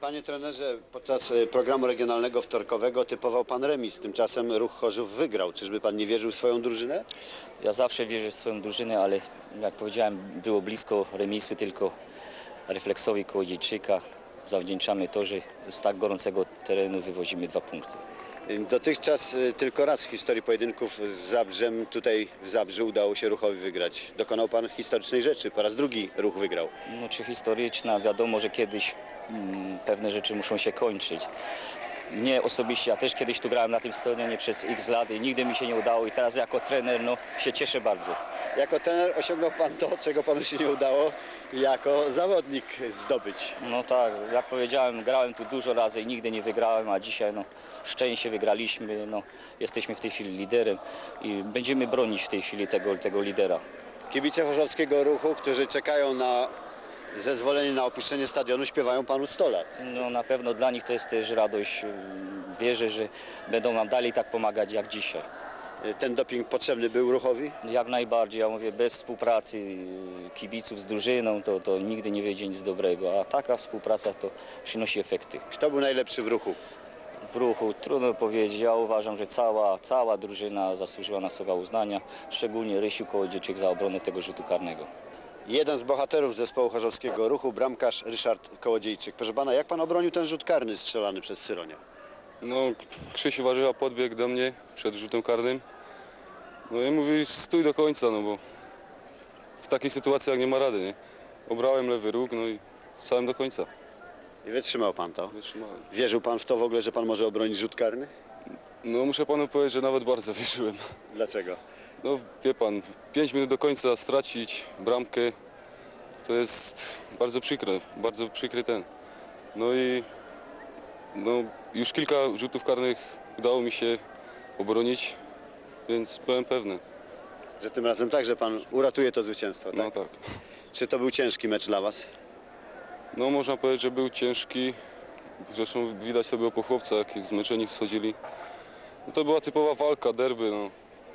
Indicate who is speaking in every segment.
Speaker 1: Panie trenerze, podczas programu regionalnego wtorkowego typował pan remis. Tymczasem Ruch Chorzów wygrał. Czyżby pan nie wierzył w swoją drużynę?
Speaker 2: Ja zawsze wierzę w swoją drużynę, ale jak powiedziałem, było blisko remisu, tylko refleksowi Kołodziejczyka. Zawdzięczamy to, że z tak gorącego terenu wywozimy 2 punkty.
Speaker 1: Dotychczas tylko raz w historii pojedynków z Zabrzem, tutaj w Zabrzu, udało się Ruchowi wygrać. Dokonał pan historycznej rzeczy. Po raz drugi Ruch wygrał.
Speaker 2: No, czy historyczna, wiadomo, że kiedyś pewne rzeczy muszą się kończyć. Mnie osobiście, ja też kiedyś tu grałem na tym stadionie przez x lat i nigdy mi się nie udało i teraz jako trener się cieszę bardzo.
Speaker 1: Jako trener osiągnął pan to, czego panu się nie udało jako zawodnik zdobyć.
Speaker 2: No tak, jak powiedziałem, grałem tu dużo razy i nigdy nie wygrałem, a dzisiaj szczęście wygraliśmy, jesteśmy w tej chwili liderem i będziemy bronić w tej chwili tego lidera.
Speaker 1: Kibice chorzowskiego Ruchu, którzy czekają na zezwolenie na opuszczenie stadionu, śpiewają panu 100 lat.
Speaker 2: No na pewno dla nich to jest też radość. Wierzę, że będą nam dalej tak pomagać jak dzisiaj.
Speaker 1: Ten doping potrzebny był Ruchowi?
Speaker 2: Jak najbardziej, ja mówię, bez współpracy kibiców z drużyną to nigdy nie wyjdzie nic dobrego, a taka współpraca to przynosi efekty.
Speaker 1: Kto był najlepszy w Ruchu?
Speaker 2: W Ruchu trudno powiedzieć, ja uważam, że cała drużyna zasłużyła na słowa uznania, szczególnie Rysiu Kołodziejczyk za obronę tego rzutu karnego.
Speaker 1: Jeden z bohaterów zespołu chorzowskiego Ruchu, bramkarz Ryszard Kołodziejczyk. Proszę pana, jak pan obronił ten rzut karny strzelany przez Cyronia?
Speaker 3: No, Krzysiu Warzywa podbiegł do mnie przed rzutem karnym. No i mówi, stój do końca, no bo w takiej sytuacji jak nie ma rady, nie? Obrałem lewy róg, no i stałem do końca.
Speaker 1: I wytrzymał pan to?
Speaker 3: Wytrzymałem.
Speaker 1: Wierzył pan w to w ogóle, że pan może obronić rzut karny?
Speaker 3: No muszę panu powiedzieć, że nawet bardzo wierzyłem.
Speaker 1: Dlaczego?
Speaker 3: No wie pan, 5 minut do końca stracić bramkę, to jest bardzo przykry ten. No i już kilka rzutów karnych udało mi się obronić, więc byłem pewny.
Speaker 1: Że tym razem także pan uratuje to zwycięstwo, tak?
Speaker 3: No tak.
Speaker 1: Czy to był ciężki mecz dla was?
Speaker 3: No można powiedzieć, że był ciężki. Zresztą widać sobie po chłopcach, jak zmęczeni wchodzili. No to była typowa walka, derby. No.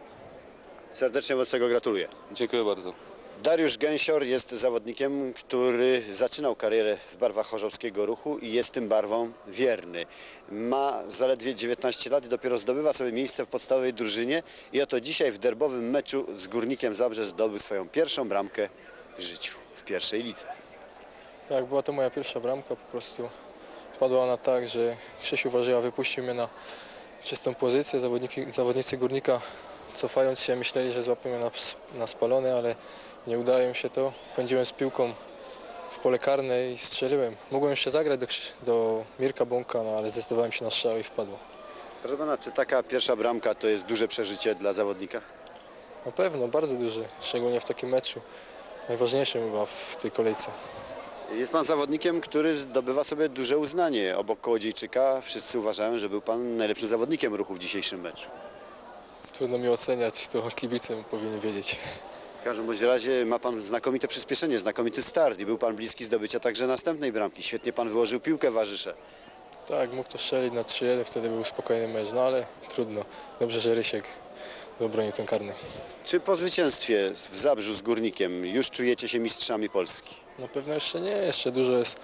Speaker 1: Serdecznie wobec tego gratuluję.
Speaker 3: Dziękuję bardzo.
Speaker 1: Dariusz Gęsior jest zawodnikiem, który zaczynał karierę w barwach chorzowskiego Ruchu i jest tym barwom wierny. Ma zaledwie 19 lat i dopiero zdobywa sobie miejsce w podstawowej drużynie i oto dzisiaj w derbowym meczu z Górnikiem Zabrze zdobył swoją pierwszą bramkę w życiu, w pierwszej lidze.
Speaker 4: Tak, była to moja pierwsza bramka, po prostu padła ona tak, że Krzysiu Warzywa wypuścił mnie na czystą pozycję. Zawodnicy Górnika, cofając się, myśleli, że złapią mnie na spalony, ale nie udało im się to. Pędziłem z piłką w pole karne i strzeliłem. Mogłem jeszcze zagrać do Mirka Bąka, ale zdecydowałem się na strzał i wpadło.
Speaker 1: Proszę pana, czy taka pierwsza bramka to jest duże przeżycie dla zawodnika?
Speaker 4: Na pewno, bardzo duży, szczególnie w takim meczu. Najważniejszym chyba w tej kolejce.
Speaker 1: Jest pan zawodnikiem, który zdobywa sobie duże uznanie. Obok Kołodziejczyka wszyscy uważają, że był pan najlepszym zawodnikiem Ruchu w dzisiejszym meczu.
Speaker 4: Trudno mi oceniać, to kibice powinien wiedzieć.
Speaker 1: W każdym bądź razie ma pan znakomite przyspieszenie, znakomity start i był pan bliski zdobycia także następnej bramki. Świetnie pan wyłożył piłkę Warzysze.
Speaker 4: Tak, mógł to strzelić na 3-1, wtedy był spokojny mecz, no ale trudno. Dobrze, że Rysiek obronił ten karny.
Speaker 1: Czy po zwycięstwie w Zabrzu z Górnikiem już czujecie się mistrzami Polski?
Speaker 4: Na pewno jeszcze nie, jeszcze dużo jest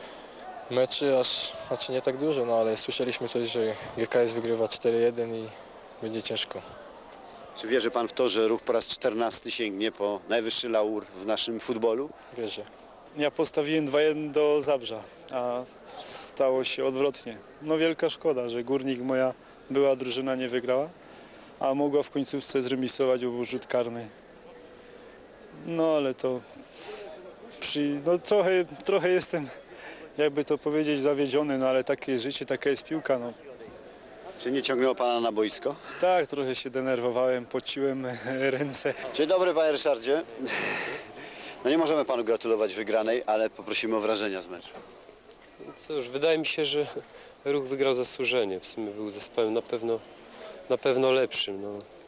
Speaker 4: meczy, znaczy nie tak dużo, no ale słyszeliśmy coś, że GKS wygrywa 4-1 i będzie ciężko.
Speaker 1: Czy wierzy pan w to, że Ruch po raz 14 sięgnie po najwyższy laur w naszym futbolu?
Speaker 4: Wierzę.
Speaker 5: Ja postawiłem 2-1 do Zabrza, a stało się odwrotnie. No wielka szkoda, że Górnik, moja była drużyna, nie wygrała, a mogła w końcówce zremisować, bo był rzut karny. No ale to no trochę jestem, jakby to powiedzieć, zawiedziony, no ale takie jest życie, taka jest piłka. No.
Speaker 1: Czy nie ciągnęło pana na boisko?
Speaker 5: Tak, trochę się denerwowałem, pociłem ręce.
Speaker 1: Dzień dobry, panie Ryszardzie. No nie możemy panu gratulować wygranej, ale poprosimy o wrażenia z meczu.
Speaker 6: Cóż, wydaje mi się, że Ruch wygrał zasłużenie. W sumie był zespołem na pewno lepszym. No.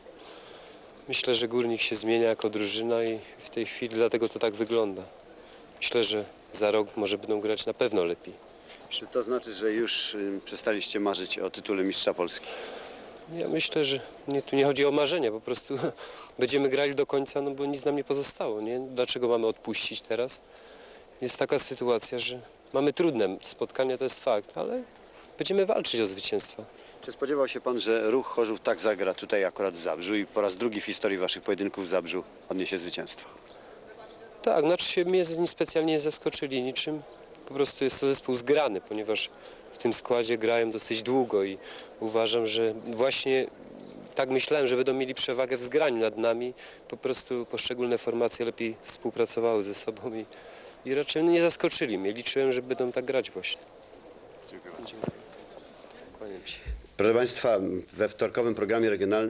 Speaker 6: Myślę, że Górnik się zmienia jako drużyna i w tej chwili dlatego to tak wygląda. Myślę, że za rok może będą grać na pewno lepiej.
Speaker 1: Czy to znaczy, że już przestaliście marzyć o tytule mistrza Polski?
Speaker 6: Ja myślę, że tu nie chodzi o marzenia, po prostu będziemy grali do końca, no bo nic nam nie pozostało. Nie? Dlaczego mamy odpuścić teraz? Jest taka sytuacja, że mamy trudne spotkania, to jest fakt, ale będziemy walczyć o zwycięstwa.
Speaker 1: Czy spodziewał się pan, że Ruch Chorzów tak zagra tutaj akurat w Zabrzu i po raz drugi w historii waszych pojedynków w Zabrzu odniesie zwycięstwo?
Speaker 6: Tak, znaczy się mnie specjalnie nie zaskoczyli niczym. Po prostu jest to zespół zgrany, ponieważ w tym składzie grałem dosyć długo i uważam, że właśnie tak myślałem, że będą mieli przewagę w zgraniu nad nami. Po prostu poszczególne formacje lepiej współpracowały ze sobą i raczej nie zaskoczyli mnie. Liczyłem, że będą tak grać właśnie.
Speaker 1: Dziękuję bardzo.
Speaker 6: Kłaniam się.
Speaker 1: Proszę Państwa, we wtorkowym programie regionalnym